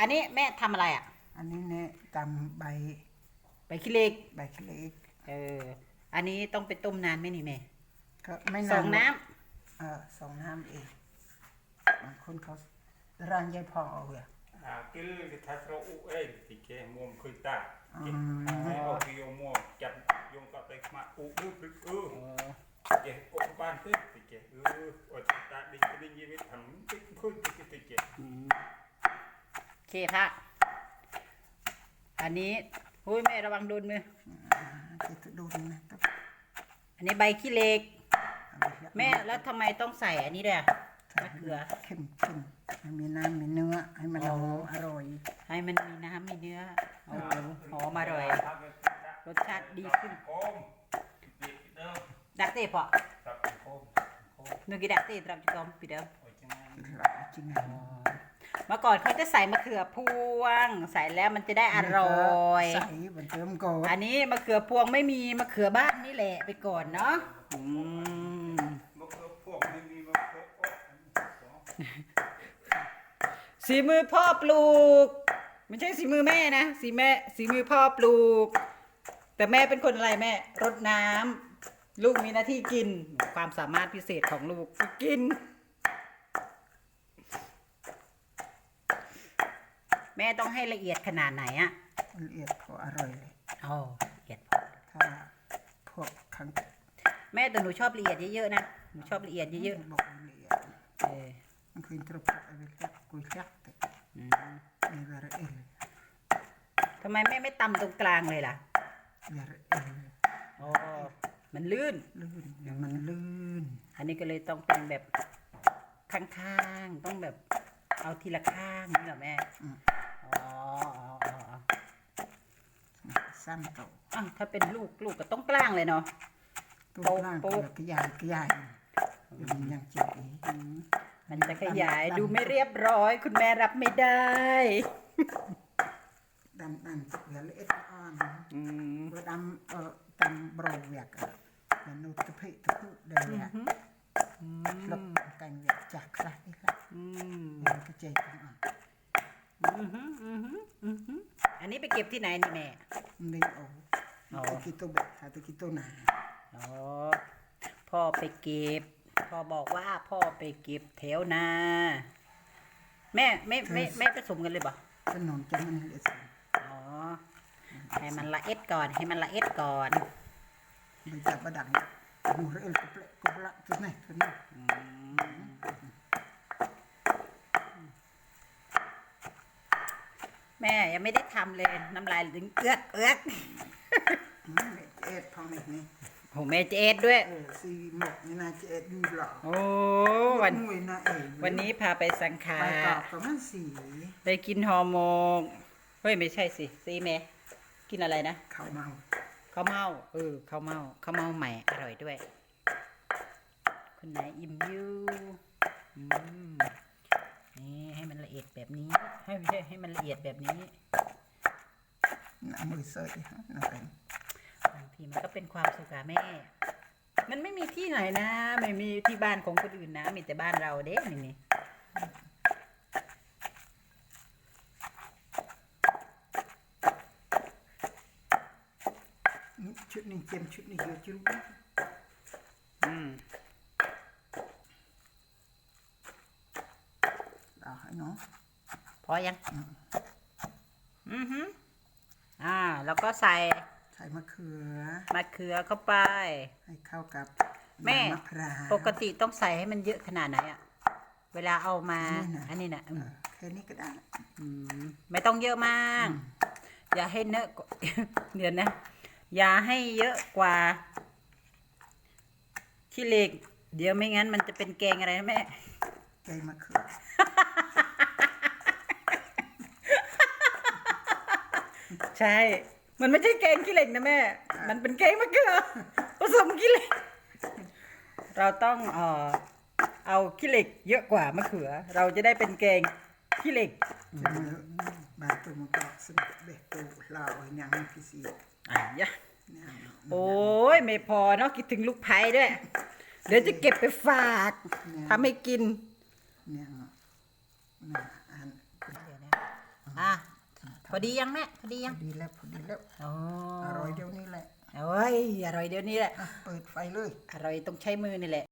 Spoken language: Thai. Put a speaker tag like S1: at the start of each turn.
S1: อันนี้แม่ทำอะไรอ่ะ
S2: อันนี้เนี่ยตำ
S1: ใบขี้เหล็ก
S2: ใบขี้เหล็ก
S1: อันนี้ต้องไปต้มนานไหมนี่แม่
S2: ก็ไม่นาน
S1: 2 น้
S2: ำ2 น้ำเองบางคนเขาร่างยายพองเอาเลย
S3: กิลที่ทัศน์เราเองที่แกมุมคุยตาเอาที่ยมจับยงกับไปมาดึกแกออกบ้านที่แกอดตาดิ้งดิ้งยีวิตทำติ๊กคุยติ๊กติ๊ก
S1: เคพระอันนี้หุ้ยแม่ระวังโดนมือ
S2: จะโดนนะ
S1: อันนี้ใบขี้เหล็กแม่แล้วทำไมต้องใส่อันนี้ด้วยมะเขือ
S2: เข้มให้มีน้ำมีเนื้อให้มันหอมอร่อย
S1: ให้มันมีน้ำมีเนื้อหอมอร่อยรสชาติดีขึ้นดักเตะปะนึกกี่ดักเตะตรับจุกอมปีเดิม
S2: จริง
S1: เมื่อก่อนเขาจะใส่มะเขือพวงใส่แล้วมันจะได้อร่อย
S2: ใส่บนเติมก่อน
S1: อันนี้มะเขือพวงไม่มีมะเขือบ้านนี่แหละไปก่อนเนาะ
S3: มะเขือพวงไม่มีมะเขือ
S1: สีมือพ่อปลูกไม่ใช่สีมือแม่นะสีมือพ่อปลูกแต่แม่เป็นคนอะไรแม่รดน้ำลูกมีหน้าที่กินความสามารถพิเศษของลูกกินแม่ต้องให้ละเอียดขนาดไหนอะ
S2: ละเอียดพออร่อยเลย
S1: ละเอียดพอ
S2: ถ้าพวกครั้ง
S1: แม่แต่หนูชอบละเอียดเยอะๆนะหนูชอบละเอียดเยอะ
S2: ๆบอกละเอียดมันคือตรบอะไรแบบกุยยักษ์นี่ว่าเอล
S1: ทำไมแม่ไม่ตำตรงกลางเลยล่ะ
S2: ว่าเอล
S1: มันลื่น
S2: มันลื่น
S1: อันนี้ก็เลยต้องเป็นแบบข้างๆต้องแบบเอาทีละข้างนี่เหรอแม่
S2: สั้นโต
S1: ถ้าเป็นลูกก็ต้องกลางเลยเนาะ
S2: โตกระยายมันยังเจ็บอีก
S1: มันจะขยายดูไม่เรียบร้อยคุณแม่รับไม่ได้
S2: ดำตัวเล็กอ่อนดำบราวเวียกแล้วนูตะเพิตะพุเดียวลบกันเวียกจากคลานี่ครับมันก็เจ็บ
S1: อันนี้ไปเก็บที่ไหนนี่แม่
S2: ไม่ตะกี้ตัวเบ็ดตะกี้ตัวหนา
S1: พ่อไปเก็บพ่อบอกว่าพ่อไปเก็บแถวนาแม่ผสมกันเลยบ่
S2: ขนมจะมันละเอียด
S1: ให้มันละเอ็ดก่อน
S2: มันจับประดังดูเรื่องกุบละตัวไหน
S1: แม่ยังไม่ได้ทำเลยน้ำลายถึงเอื้อก
S2: เอ็ดพองนี่
S1: ผมแม่จะเอ็ดด้วย
S2: ซีหมกนี่นาจะเอ็ดดูหรอ
S1: วันนี้พาไปสังขาร
S2: ไปกรอบประมาณ
S1: ไปกินฮอร์โมนเฮ้ยไม่ใช่ซีแม่กินอะไรนะ
S2: ข้าวเมา
S1: ข้าวเมาใหม่อร่อยด้วยคุณนายอิ่มยูนี่ให้มันละเอียดแบบนี้ให้มันละเอียดแบบนี้
S2: มือเสย
S1: บางทีมันก็เป็นความสุขอะแม่มันไม่มีที่ไหนนะไม่มีที่บ้านของคนอื่นนะมีแต่บ้านเราเด้นี่
S2: ชุดนี้เต็มชุดนี้เยอะจุ๊บให้น้อง
S1: พอยังแล้วก็ใส่
S2: มะเขื
S1: อเข้าไป
S2: ให้เข้ากับ
S1: แม่ปกติต้องใส่ให้มันเยอะขนาดไหนอะเวลาเอามาอันนี้นะ
S2: แค่นี้ก็ได้
S1: ไม่ต้องเยอะมากอย่าให้เนอะเดี๋ยวนะอย่าให้เยอะกว่าขี้เหล็กเดี๋ยวไม่งั้นมันจะเป็นแกงอะไรนะแม่
S2: แกงมะเขือ
S1: ใช่มันไม่ใช่แกงขี้เหล็กนะแม่มันเป็นแกงมะเขือผสมขี้เหล็กเราต้องเอาขี้เหล็กเยอะกว่ามะเขือเราจะได้เป็นแกงขี้เหล็ก
S2: บางตัวมันก็สนุกเบ็ดตัวเราอย่างพิเศษ
S1: โอ้ยไม่พอเนาะคิดถึงลูกไผ่ด้วยเดี๋ยวจะเก็บไปฝากทำให้กินพอดียังแม่พอดียัง
S2: พอดีแล้ว
S1: อ๋อ
S2: อร่อยเดี๋ยวนี้แหละ
S1: โอ้ยอร่อยเดี๋ยวนี้แหละ
S2: เปิดไฟเลย
S1: อร่อยต้องใช้มือนี่แหละ